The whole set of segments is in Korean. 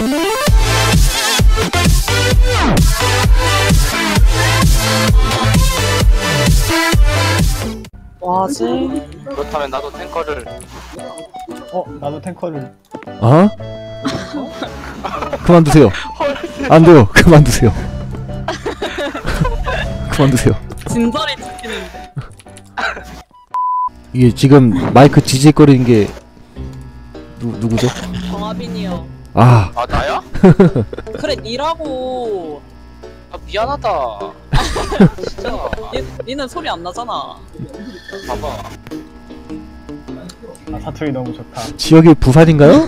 뭐하지? 그렇다면 나도 탱커를. 나도 탱커를. 어? 그만두세요. 안 돼요. 그만두세요. 그만두세요. 진절이 찍히는데. 이게 지금 마이크 지직거리는 게 누구죠? 정하빈이요. 아, 아 나야? 그래 니라고. 아 미안하다. 진짜. 니는 소리 안 나잖아. 봐봐. 사투리 너무 좋다. 지역이 부산인가요?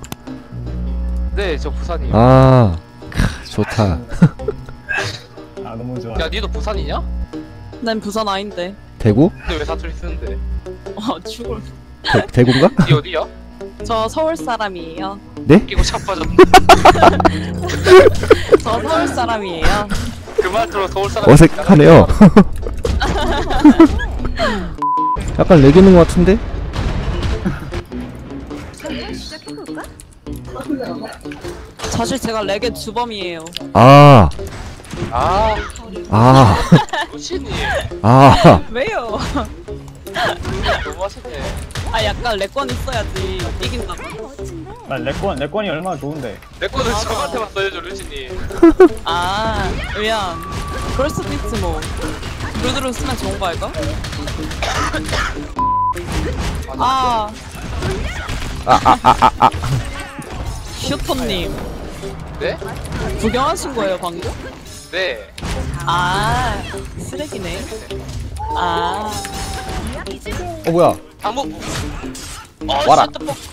네, 저 부산이에요. 아, 좋다. 너무 좋아. 야, 니도 부산이냐? 난 부산 아닌데. 대구? 근데 왜 사투리 쓰는데? 죽을. 대구인가? 니 어디야? 저 서울 사람이에요. 네? 끼고 자빠졌네. 저 서울 사람이에요. 그 말투로 서울 사람. 어색하네요. 약간 레게는 것 같은데? 사실 제가 레게 주범이에요. 아, 아, 아, 루시니. 아. 왜요? 너무 하시네. 아 약간 레권 있어야지 이긴다고. 나 레권이 얼마나 좋은데. 내 거는 저한테만 써야죠, 루시니. 아 미안. 그럴 수도 있지 뭐. 루드로 쓰면 좋은 거 알까? 아. 슈터님 네? 구경하신 거예요 방금? 네. 아 쓰레기네. 아 뭐야? 한번. 와라.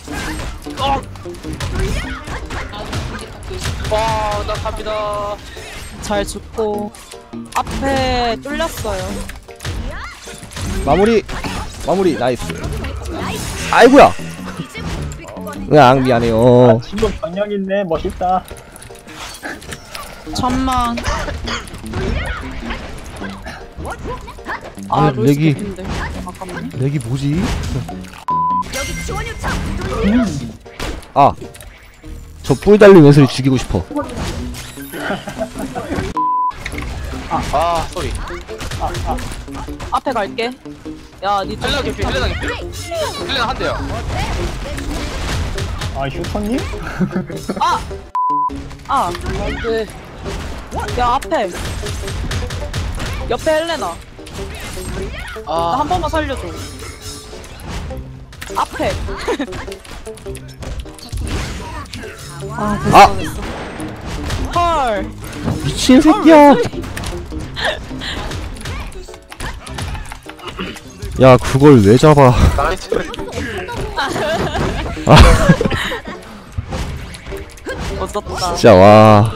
와, 나 갑니다. 잘 죽고 앞에 뚫렸어요. 마무리 나이스. 아이고야. 으앙 미안해요. 친구 경력 있네. 멋있다. 천만. 아, 루이스 렉이. 개핀데. 잠깐만. 렉이 뭐지? 아, 저 뿔 달린 왼손이 죽이고 싶어. 아, 쏘리. 앞에 갈게. 야, 니 헬레나 개피, 헬레나 개피. 헬레나 한 대요. 휴터님? 아, 네. 야 앞에. 옆에 헬레나. 나 아, 한 번만 살려줘. 앞에. 아, 됐어. 헐. 미친 새끼야. 야, 그걸 왜 잡아? 나이스. 멋졌다. 진짜 와.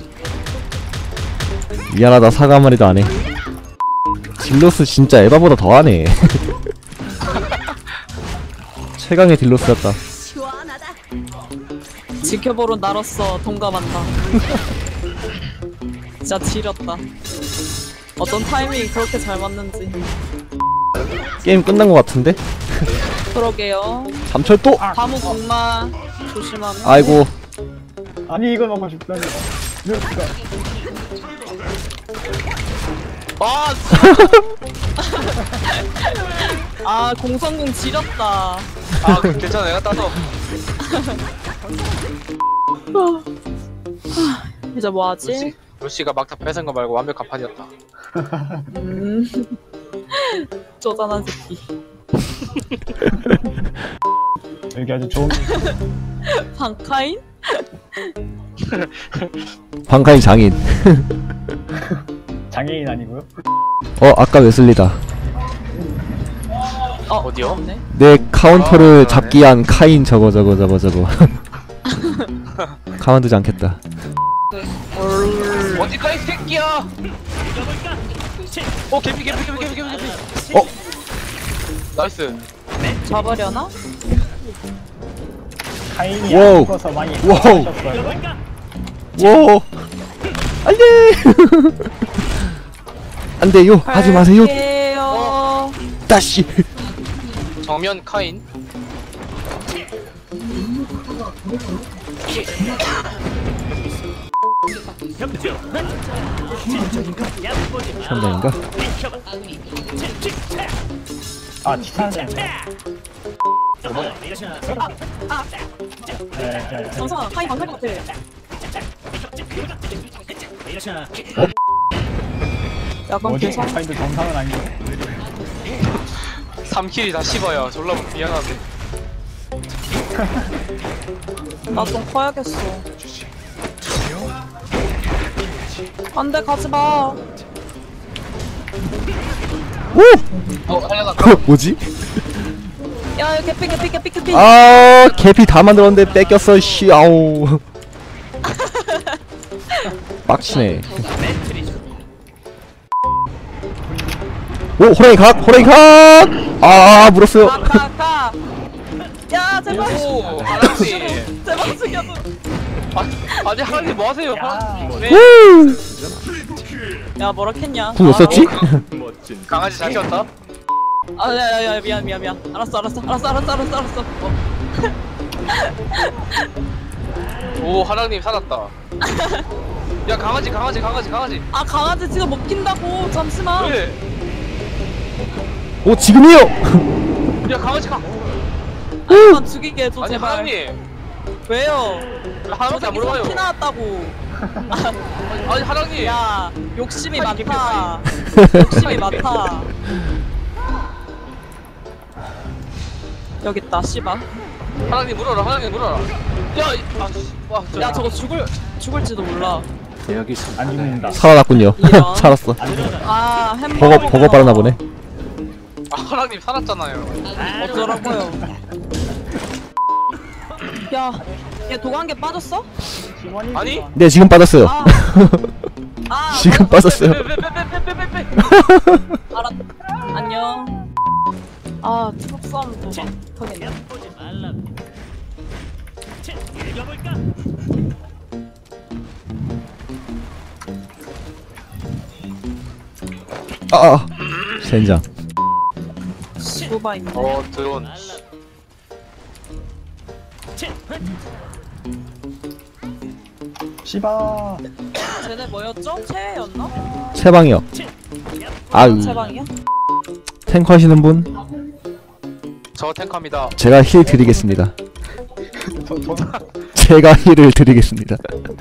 미안하다, 사과 한 마리도 안 해. 딜로스 진짜 에바보다 더하네. 최강의 딜로스였다. 지켜보는 나로서 동감한다. 진짜 지렸다. 어떤 타이밍이 그렇게 잘 맞는지. 게임 끝난 것 같은데? 그러게요. 삼철도! 다무 공마 조심하면. 아이고. 아니 이걸 먹고 싶다니. 아, 아 공성공 지렸다. 아, 괜찮아. 내가 따서. 이제 뭐하지? 루시가 막타 뺏은 거 말고 완벽한 판이었다. 쪼잔한 새끼. 여기 아주 좋은. 방카인? 방카인 장인. 장애인 아니고요? 아까 웨슬리다. 어디요? 없네. 내 카운터를 아, 잡기 위한 카인 저거. 가만두지 않겠다. 어디가 이 새끼야? 개피. 나이스. 잡으려나? 카인이 와우. 안 죽어서 많이 와우. 하셨어요. 오! 안돼! 안돼요! 하지 마세요! 갈게요. 다시! 정면 카인. 현장인가? 아 치사하네. 네. 정상 하이 방탈 것 같아. 약간 뭐지? 개성. 파인드 정상은 아닌데. 3킬이 다 씹어요. 졸라 미안한데. 나 좀 커야겠어. 안돼 가지 마. 오! 하려다. 뭐지? 야 개피. 아 개피 다 만들었는데 뺏겼어 씨 아우 빡치네. 오 호랑이 각! 아 물었어요. 가. 야 제발. 오, 하나님. 제발 죽여줘. 아니 하나님 뭐 하세요? 네. 후! 야 뭐라 했냐? 궁 없었지? 강아지 잘 키웠다. 아야야야 미안. 알았어. 오, 하나님 살았다. 야, 강아지. 아 강아지 지금 먹힌다고. 잠시만. 왜? 오 지금이요! 야, 강아지 가. 아니만 죽이게 해줘 아니 제발. 하나님. 왜요? 하나님한테 안 물어봐요. 피 나왔다고. 아니 하나님. 야 욕심이 아니, 많다. 욕심이 많다. 여기 있다 씨발. 하나님 물어라. 야, 와, 야 저거 죽을지도 몰라. 안 죽는다. 살아났군요. 이런. 살았어. 아 햄버거. 버거 빨았나 보네. 아, 하나님 살았잖아요. 어쩌라고요. 야, 얘 도관계 빠졌어? 팀원이 아니? 네 지금 빠졌어요. 지금 빠졌어요. 빼. 알았. 안녕. 아, 트럭 싸움도 하겠네. 아 젠장. 시부바인데. 드론. 씨바. 쟤네 뭐였죠? 최애였나? 채방이요. 아유 최방이야? 탱커 하시는 분? 저 탱커입니다. 제가 힐 드리겠습니다. 저 제가 힐을 드리겠습니다.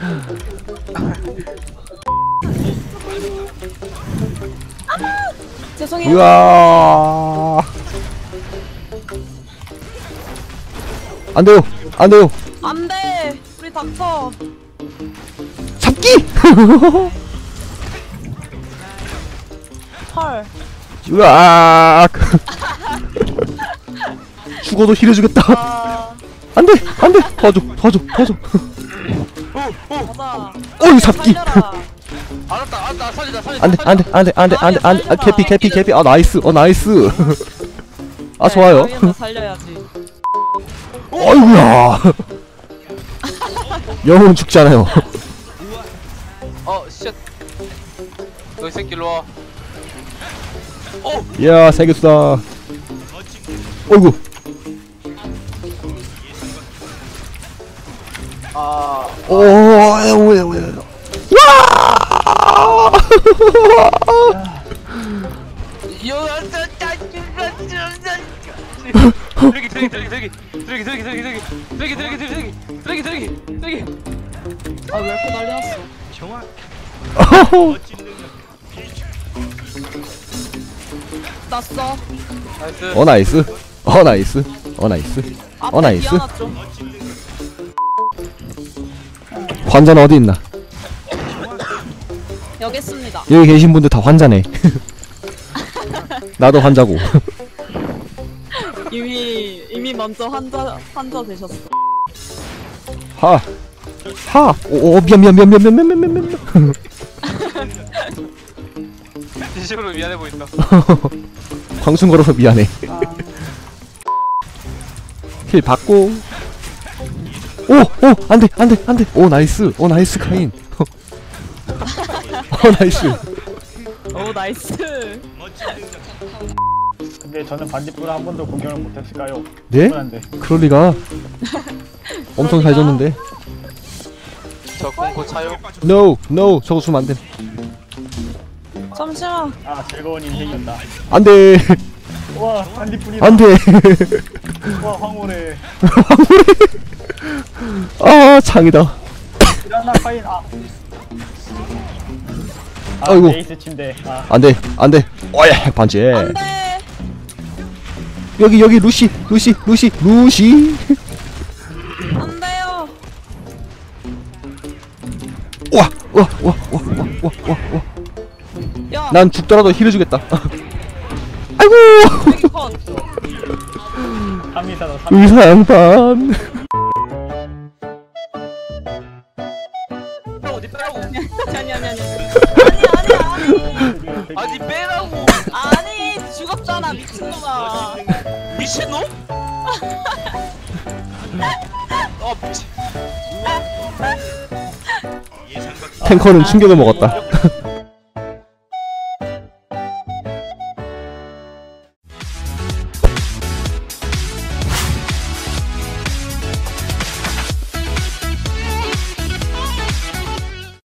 죄송해요. 으아 안돼요. 안돼. 우리 닥쳐. 잡기. 헐. 으아 죽어도 힐해주겠다. 아, 안돼 도와줘. 가자. 어이 잡기. 살려라. 알았다. 살리자. 안돼 아, 개피 아 나이스 아 좋아요. 네, 살려야지. 어이구야. 영웅은 죽지 않아요. 쉣. 너이 새끼 일로 와. 이야 세겼어. 어이구. 왜. 와! 쓰레기. 아, 왜 이렇게 난리 났어? 났어. 나이스. 나이스. 앞에 나이스. 미안하죠. 환자는 어디 있나? 여기 있습니다. 여기 계신 분들 다 환자네. 나도 환자고. 이미 먼저 환자 되셨어. 오 미안. 진심으로 미안해 보인다. 광순 걸어서 미안해. 힐 받고. 오 안돼. 오 나이스 카인. 나이스. 오 나이스. 근데 저는 반딧불을 한 번도 공격을 못했을까요? 네? 뻔한데. 그럴 리가. 엄청 잘 줬는데. 저 공고 차요. No, no, 저거 주면 안 돼. 잠시만. 아 즐거운 인생이었다. 안 돼. 와 반딧불이다. 안 돼. 와 황홀해. 아, 창이다. 일어나 파인. 아. 아이고. 베이스 침대. 아 안 돼, 안 돼. 어예, 반지. 안 돼. 여기 루시. 안 돼요. 와. 야. 난 죽더라도 힐 해주겠다. 아이고. 여기 컷. 3위사다 3위. 의사 양반. 어디 빼라고? 아니. 아니 빼라고. 아니 죽었잖아 미친놈아. 미친놈? 아 미친. 탱커는 충격을 먹었다.